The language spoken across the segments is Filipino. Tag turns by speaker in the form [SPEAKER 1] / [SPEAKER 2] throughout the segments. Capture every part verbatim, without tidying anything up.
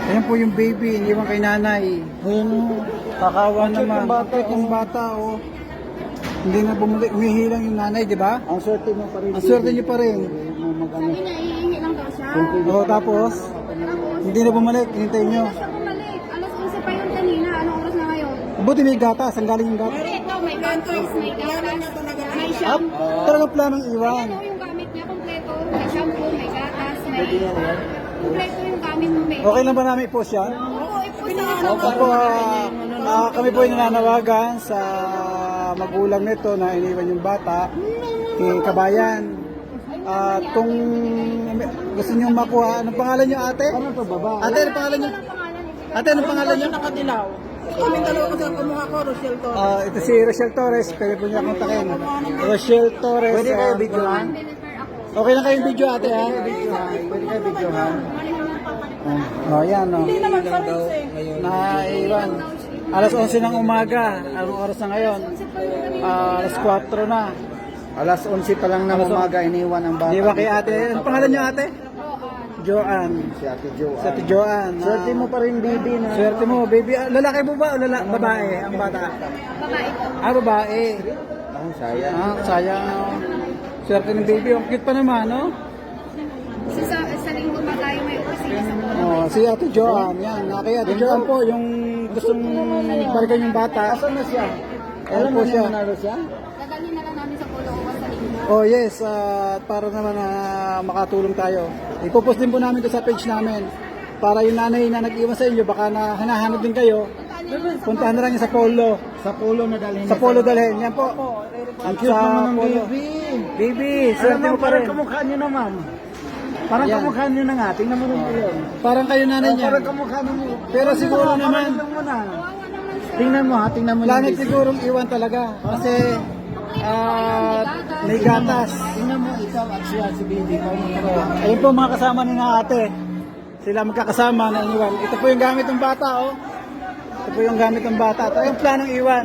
[SPEAKER 1] Ayan po yung baby, iniwan kay nanay. Ayan o, kakawa naman. Ang bata, yung bata o. Hindi na bumalik, umihilang yung nanay, di ba?
[SPEAKER 2] Ang swerte mo pa rin.
[SPEAKER 1] Ang swerte niyo pa rin.
[SPEAKER 3] Sabi niya, iingi lang daw siya.
[SPEAKER 1] O, tapos, hindi na bumalik, hinintay nyo.
[SPEAKER 3] Hindi na siya bumalik. Alas onse pa yun kanina. Anong oras na ngayon?
[SPEAKER 1] Buti may gatas, ang galing yung gatas.
[SPEAKER 3] Ito, may gatas, may gatas, may
[SPEAKER 1] Up,
[SPEAKER 3] shampoo.
[SPEAKER 1] talagang planong iwan.
[SPEAKER 3] Ayan o, yung gamit niya, kompleto. May shampoo, may gatas, may... Kompleto yung gamit mo, may...
[SPEAKER 1] Okay lang ba namin i-post yan?
[SPEAKER 3] Oo, ipost na nga.
[SPEAKER 1] Opo, ah, ah, kami po ay nananawagan sa magulang nito na iniwan yung bata kay Kabayan. At kung gusto niyo makuha, anong pangalan niyo ate?
[SPEAKER 2] Ano to, baba?
[SPEAKER 1] Ate, anong pangalan niyo? Ate, anong pangalan niyo?
[SPEAKER 4] Nakadilaw. Kaming dalawa kasi ang kumuha ko, Rochelle to.
[SPEAKER 1] Ah, ito si Rochelle Torres, pwede po niya kontakin. Rochelle Torres.
[SPEAKER 2] Pwede kayo
[SPEAKER 1] ah,
[SPEAKER 2] videohan?
[SPEAKER 1] Okay lang kayong video ate ha?
[SPEAKER 2] Videohan. Pwede kayo videohan.
[SPEAKER 1] Oh, yan oh.
[SPEAKER 4] Hindi naman pa rin eh.
[SPEAKER 1] Naiwan. Alas onse ng umaga. Anong oras na ngayon? Ah, alas kwatro na.
[SPEAKER 2] Alas onse pa lang ng umaga, iniwan ang bata.
[SPEAKER 1] Di ba kay ate? Anong pangalan niyo ate? Joanne.
[SPEAKER 2] Si Ate Jo.
[SPEAKER 1] Si ate Joanne. Ah,
[SPEAKER 2] Swerte mo pa rin, baby, na.
[SPEAKER 1] Swerte mo, baby. Ah, lalaki mo ba o lala babae ang bata?
[SPEAKER 3] Babae po.
[SPEAKER 1] Ah, babae.
[SPEAKER 2] Ang sayang.
[SPEAKER 1] Ah, sayang. oh. Swerte ng baby. Ang cute pa naman, no?
[SPEAKER 3] Sa, sa, sa linggo pa tayo may opisina sa mga.
[SPEAKER 1] Oh, si ate Joanne. Yan. Ah, kay ate Joanne po, yung gustong balikan yung bata.
[SPEAKER 2] Asan na siya?
[SPEAKER 1] Ayan
[SPEAKER 2] Alam
[SPEAKER 1] po
[SPEAKER 2] mo
[SPEAKER 1] siya.
[SPEAKER 2] siya. Nanalo siya?
[SPEAKER 3] Dadalhin na lang namin sa pulo ko sa linggo.
[SPEAKER 1] Oh yes, at para naman na makatulong tayo. Ipopost din po namin ito sa page namin. Para yung nanay na nag-iwan sa inyo, baka na hinahanap din kayo, puntahan na lang niya sa polo.
[SPEAKER 2] Sa polo na dalhin.
[SPEAKER 1] Sa polo dalhin, yan po.
[SPEAKER 2] Ang cute
[SPEAKER 1] Sa
[SPEAKER 2] naman ng
[SPEAKER 1] polo.
[SPEAKER 2] baby.
[SPEAKER 1] Baby,
[SPEAKER 2] Alam
[SPEAKER 1] swerte
[SPEAKER 2] mo,
[SPEAKER 1] mo pa
[SPEAKER 2] parang
[SPEAKER 1] rin.
[SPEAKER 2] kamukha niyo naman. Parang
[SPEAKER 1] Yan.
[SPEAKER 2] kamukha niyo na nga. Tingnan mo rin yun.
[SPEAKER 1] Parang kayo nanay niya.
[SPEAKER 2] Parang kamukha mo.
[SPEAKER 1] Pero siguro
[SPEAKER 2] Parang
[SPEAKER 1] naman,
[SPEAKER 2] lang mo na. Tingnan mo ha, tingnan mo yung
[SPEAKER 1] planet
[SPEAKER 2] baby.
[SPEAKER 1] sigurong iwan talaga. Kasi, ah, may gatas.
[SPEAKER 2] Tingnan mo ikaw at siya si baby.
[SPEAKER 1] Oh, ayun po mga kasama ni na ate. Sila magkakasama na iniwan. Ito po yung gamit ng bata, oh. Ito po yung gamit ng bata. Ito yung planong iwan.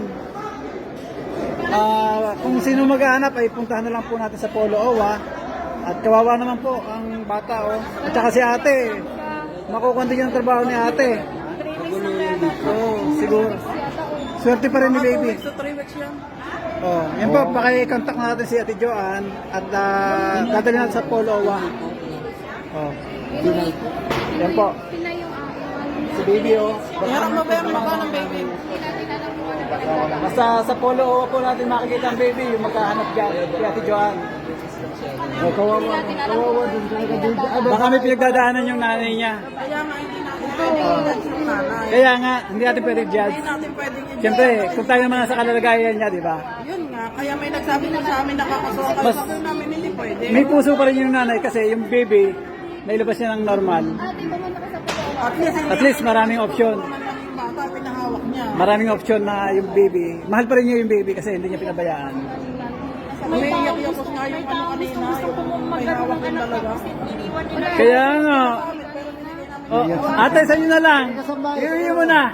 [SPEAKER 1] Ah, kung sino maghahanap ay puntahan na lang po natin sa Polo Owa. At kawawa naman po ang bata, oh. At saka si ate. Makukunti yung trabaho ni ate. Oh, siguro. Swerte pa rin ni baby.
[SPEAKER 4] So, three weeks yan.
[SPEAKER 1] Oh, yan po, paki-contact natin si Ate Joanne at uh, dadalhin natin sa Polo Owa. Oh. Yan po.
[SPEAKER 3] Sila yung uh,
[SPEAKER 1] Si baby, oh.
[SPEAKER 4] Harap mo ba yung mukha ng baby?
[SPEAKER 1] Basta sa Polo Owa po natin makikita ang baby, yung magkahanap dyan, si Ate Joanne. Oh, kawawa, kawawa din talaga baby. Ah, baka may pinagdadaanan yung nanay niya.
[SPEAKER 4] Kaya nga hindi natin pwedeng i-judge yung nanay.
[SPEAKER 1] Kaya nga, hindi natin pwede judge.
[SPEAKER 4] Hindi natin pwedeng i-judge.
[SPEAKER 1] Siyempre, kung tayo naman sa kalalagayan niya, di ba?
[SPEAKER 4] Yun nga, kaya may nagsabi na sa amin nakakasuha kayo.
[SPEAKER 1] Mas-
[SPEAKER 4] Sabi namin hindi pwede.
[SPEAKER 1] May puso pa rin yung nanay kasi yung baby, nailabas niya ng normal.
[SPEAKER 3] ate, pumunta ka sa pulo.
[SPEAKER 4] At least, hindi
[SPEAKER 1] At least maraming option.
[SPEAKER 4] naman lang yung bata, pinahawak niya.
[SPEAKER 1] Maraming option na yung baby. Mahal pa rin niya yung baby kasi hindi niya pinabayaan.
[SPEAKER 4] May iyak-yakos nga yung ano kanina, yung may hawak din talaga.
[SPEAKER 1] Kaya nga. Oh, ate, sa inyo na lang. Iuwi mo na.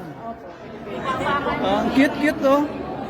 [SPEAKER 1] Oh, ang cute-cute, oh.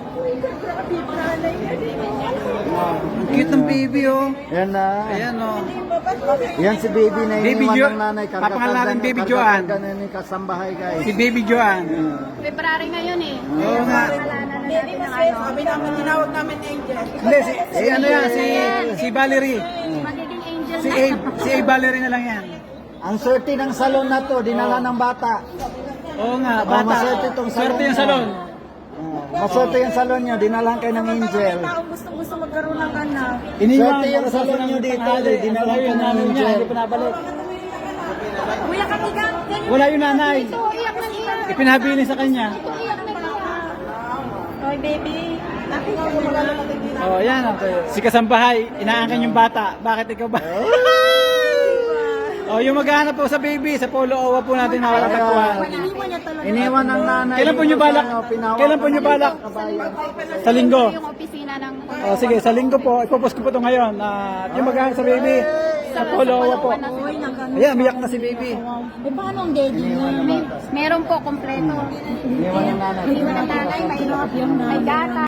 [SPEAKER 1] Wow, ang cute ng baby, oh.
[SPEAKER 2] Yan na.
[SPEAKER 1] Ayan, oh.
[SPEAKER 2] Yan si baby na
[SPEAKER 1] Baby
[SPEAKER 2] iniwan
[SPEAKER 1] Jo-
[SPEAKER 2] ng nanay.
[SPEAKER 1] Papangalan natin Baby Joanne.
[SPEAKER 2] Karga na ni kasambahay guys.
[SPEAKER 1] Si baby Joanne.
[SPEAKER 3] February ngayon eh.
[SPEAKER 1] Oo nga.
[SPEAKER 3] Kasalanan na natin ng ano.
[SPEAKER 4] Sabi namin, tinawag namin Angel.
[SPEAKER 1] Hindi, si, si ano yan, si, si Valerie.
[SPEAKER 3] Magiging angel
[SPEAKER 1] Si
[SPEAKER 3] na.
[SPEAKER 1] Abe, si Abe Valerie na lang yan.
[SPEAKER 2] Ang swerte ng salon na to, dinala ng bata.
[SPEAKER 1] Oo nga,
[SPEAKER 2] Oh,
[SPEAKER 1] bata.
[SPEAKER 2] maswerte tong salon.
[SPEAKER 1] Swerte yung salon.
[SPEAKER 2] Oh, maswerte yung salon nyo, dinala kayo ng angel.
[SPEAKER 4] Gusto gusto magkaroon ng anak.
[SPEAKER 1] Iniwan
[SPEAKER 2] Swerte yung
[SPEAKER 1] para sa
[SPEAKER 2] salon
[SPEAKER 1] ng
[SPEAKER 2] nyo dito,
[SPEAKER 1] tanghali.
[SPEAKER 2] dinala
[SPEAKER 1] Ang
[SPEAKER 2] ka ng
[SPEAKER 1] nanay niya,
[SPEAKER 2] angel.
[SPEAKER 1] hindi pa nabalik.
[SPEAKER 3] Kuya Katiga, ganyan.
[SPEAKER 1] Wala yung nanay.
[SPEAKER 3] Ito, iyak na iyak.
[SPEAKER 1] Ipinahabilin sa kanya.
[SPEAKER 3] Ito, iyak na iyak. Oy, baby.
[SPEAKER 1] Oh, yan. Okay. Si Kasambahay, inaangkan yung bata. Bakit ikaw ba? Oh, yung maghahanap po sa baby, sa Polo Owa po natin mawalatagpuan.
[SPEAKER 2] Iniwan ng nanay.
[SPEAKER 1] Kailan po nyo balak?
[SPEAKER 2] Ano, pinawak
[SPEAKER 1] Kailan po
[SPEAKER 2] ng
[SPEAKER 1] nyo balak?
[SPEAKER 2] kabayan.
[SPEAKER 1] Sa linggo.
[SPEAKER 3] Yung opisina ng...
[SPEAKER 1] Oh, sige, sa linggo po. Ipopost ko po ito ngayon. At yung maghahanap sa baby, sa Polo Owa po. Ayan, umiyak na si baby.
[SPEAKER 3] Eh, paano ang daddy niya? May, meron po, kompleto.
[SPEAKER 2] Iniwan ng nanay.
[SPEAKER 3] Iwan ng nanay, may, may gata.